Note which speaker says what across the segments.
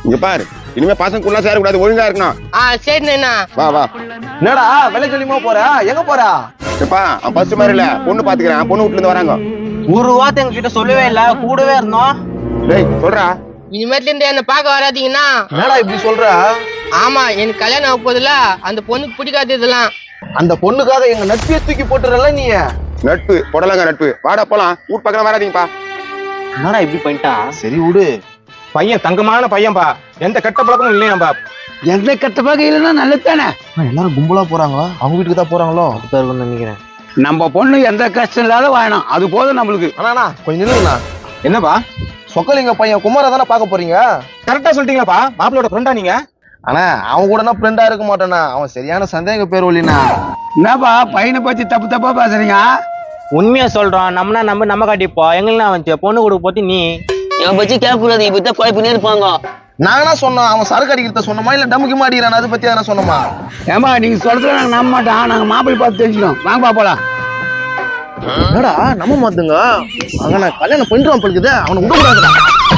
Speaker 1: இங்க பாரு, இனிமே பசங்க சேரக்கூடாது, ஒழுங்கா இருக்கணும்.
Speaker 2: சரிண்ணா.
Speaker 1: வா வா.
Speaker 3: என்னடா வெள்ளை சொல்லிமா போற? எங்க போற?
Speaker 1: எப்பா ஃபர்ஸ்ட் மாதிரி இல்ல, பொண்ணு பாத்துக்கிறேன், பொண்ணு வீட்டுல இருந்து வராங்க.
Speaker 3: ஒரு வார்த்தை எங்க கிட்ட சொல்லவே இல்ல, கூடவே இருந்தோம்.
Speaker 1: டேய் சொல்றா.
Speaker 2: இனிமேட்ல இருந்து என்ன பாக்க வராதீங்கன்னா.
Speaker 3: என்னடா இப்படி சொல்ற?
Speaker 2: ஆமா, எனக்கு கல்யாணம் ஆக போதுல, அந்த பொண்ணுக்கு பிடிக்காது இதெல்லாம்.
Speaker 3: அந்த பொண்ணுக்காக எங்க நட்பியை தூக்கி போட்டுறல நீ.
Speaker 1: நட்பு போடலாங்க நட்பு. வாடா போலாம், வீட்டு பக்கம் வராதீங்கப்பா.
Speaker 3: என்னடா இப்படி பண்ணிட்டான்? சரி விடு.
Speaker 4: பையன் தங்கமான பையன்பா, எந்த கெட்ட பழக்கமும் இல்லையாம்பா.
Speaker 5: எந்த கெட்ட பழக்கம் இல்லைன்னா நல்லதானே.
Speaker 3: எல்லாரும் கும்பலா போறாங்களா? அவங்க வீட்டுக்கு தான் போறாங்களோ? அப்படித்தான் இருக்கும்னு நினைக்கிறேன்.
Speaker 5: நம்ம பொண்ணு எந்த கஷ்டம் இல்லாத வாழணும், அது போதும் நம்மளுக்கு.
Speaker 3: அண்ணா கொஞ்சம் நில்லுங்கண்ணா.
Speaker 4: என்னப்பா
Speaker 3: சொக்கலிங்க பையன் குமார தானே பாக்க போறீங்க?
Speaker 4: கரெக்டா சொல்லிட்டீங்களாப்பா? மாப்பிளோட ஃப்ரெண்டா நீங்க?
Speaker 3: ஆனா அவன் கூட ஃப்ரெண்டா இருக்க மாட்டானா, அவன் சரியான சந்தேக பேர் ஒல்லினா.
Speaker 5: என்னப்பா பையனை பத்தி தப்பு தப்பா பேசுறீங்க?
Speaker 6: உண்மையா சொல்றோம், நம்மனா நம்ம காட்டிப்போ. எங்களுக்கு வந்து பொண்ணு கொடுக்க போத்தி நீ
Speaker 7: என் பத்தி கேட்கக்கூடாது, இப்ப குழப்பினே இருப்பாங்க.
Speaker 3: நானா சொன்னோம் அவன் சரக்கு அடிக்கிறத சொன்னோமா இல்ல டமுக்கு மாடிக்கிறான் அதை பத்தி எதனா சொன்னோமா?
Speaker 5: ஏமா நீங்க சொல்றத நாங்க நம்ப மாட்டோம், நாங்க மாப்பிள்ளை பார்த்து தெரிஞ்சுக்கணும். வாங்கப்பா போலாம்.
Speaker 3: என்னடா நம்ப மாத்துங்க, அங்க நான் கல்யாணம் பண்ணிடுவான் பழுக்குது, அவனை விட கூடாதுடா.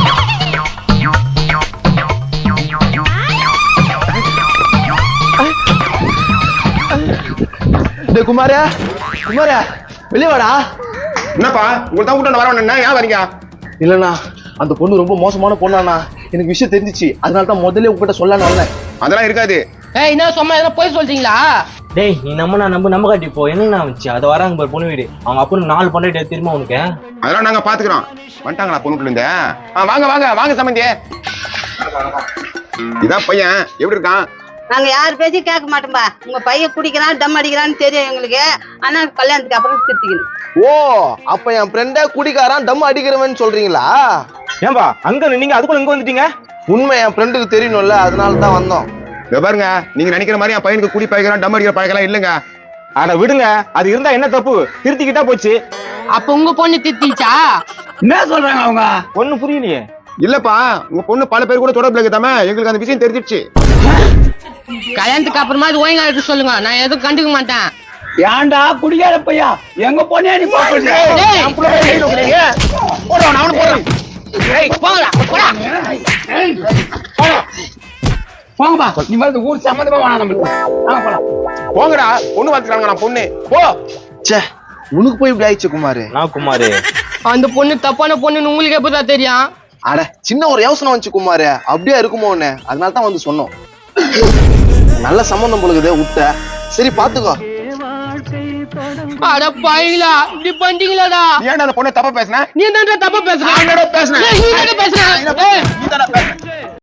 Speaker 3: டேய் குமாரா, குமாரா வெளிய வாடா.
Speaker 1: என்னப்பா உங்களுக்கு தான் கூட்டம் வரவன் என்ன ஏன் வரீங்க?
Speaker 3: இல்லண்ணா அந்த பொண்ணு ரொம்ப மோசமான பொண்ணாண்ணா, எனக்கு விஷயம் தெரிஞ்சிச்சு, அதனால தான் முதல்ல உங்ககிட்ட சொல்லலான்னு வந்தேன்.
Speaker 1: அதெல்லாம் இருக்காது.
Speaker 2: என்ன சும்மா எதனா போய் சொல்றீங்களா?
Speaker 6: டேய் நீ நம்ம காட்டிப்போ. எங்கன்னா வந்துச்சு அதை வராங்க பாரு பொண்ணு வீடு. அவங்க அப்பனுக்கு 4 பண்ணி தெரியுமா உனக்கு?
Speaker 1: அதெல்லாம் நாங்க பாத்துக்கிறோம். வந்துட்டாங்களா பொண்ணு வீட்டுல இருந்து? வாங்க வாங்க வாங்க சம்பந்தி. இதான் பையன், எப்படி இருக்கான்?
Speaker 8: நாங்க யார் பேச்சும் கேட்க மாட்டோம்பா. உங்க பையன் குடிக்கிறான் டம் அடிக்கிறான்னு தெரியும் எங்களுக்கு. ஆனா கல்யாணத்துக்கு அப்புறம் திருத்திக்கணும்.
Speaker 3: ஓ அப்ப என் ஃப்ரெண்டே குடிக்காரான் டம் அடிக்கிறவன் சொல்றீங்களா?
Speaker 4: ஏன்பா அங்க நீங்க அதுக்குள்ள இங்க வந்துட்டீங்க?
Speaker 3: உண்மை என் ஃப்ரெண்டுக்கு தெரியணும்ல, அதனால தான் வந்தோம்.
Speaker 1: பாருங்க, நீங்க நினைக்கிற மாதிரி என் பையனுக்கு குடி பழகிறான் டம் அடிக்கிற பழக்கலாம் இல்லங்க.
Speaker 4: அட விடுங்க, அது இருந்தா என்ன தப்பு, திருத்திக்கிட்டா போச்சு.
Speaker 2: அப்ப உங்க பொண்ணு திட்டிச்சா?
Speaker 5: என்ன சொல்றாங்க அவங்க?
Speaker 4: பொண்ணு புரியலையே.
Speaker 1: இல்லப்பா, உங்க பொண்ணு பல பேர் கூட தொடர்புல இருக்குதாமே, எங்களுக்கு அந்த விஷயம் தெரிஞ்சிடுச்சு.
Speaker 2: கல்யாணத்துக்கு அப்புறமா அது ஒழுங்கா இருக்க சொல்லுங்க, நான் எதுவும் கண்டுக்க மாட்டேன்.
Speaker 5: ஏன்டா குடிக்காத பையா, எங்க பொண்ணே நீ போடுங்க. போங்கப்பா, நீ வந்து ஊர் சம்மந்தமா வேணாம் நம்மளுக்கு. வாங்க போலாம்.
Speaker 1: போங்கடா, பொண்ணு பார்த்துக்கிறாங்க. நான் பொண்ணு போ.
Speaker 3: சே உனக்கு போய் இப்படி ஆயிடுச்சு குமாரு.
Speaker 6: நான் குமாரு.
Speaker 2: அந்த பொண்ணு தப்பான பொண்ணுன்னு உங்களுக்கு எப்பதான் தெரியும்?
Speaker 3: அட சின்ன ஒரு யோசனை வந்துச்சு குமாரு, அப்படியே இருக்குமோன்னு, அதனால தான் வந்து சொன்னோம். நல்ல சம்பந்தம் பொழுது விட்ட, சரி பாத்துக்கோ.
Speaker 2: அட பாயிங்களா, இப்படி பண்ணிட்டீங்களாடா?
Speaker 1: ஏன்டா அந்த பொண்ணு தப்பா பேசுன?
Speaker 2: நீ தான் தப்பா பேசுற.
Speaker 1: பேசுன.
Speaker 2: நீ தானே பேசுற.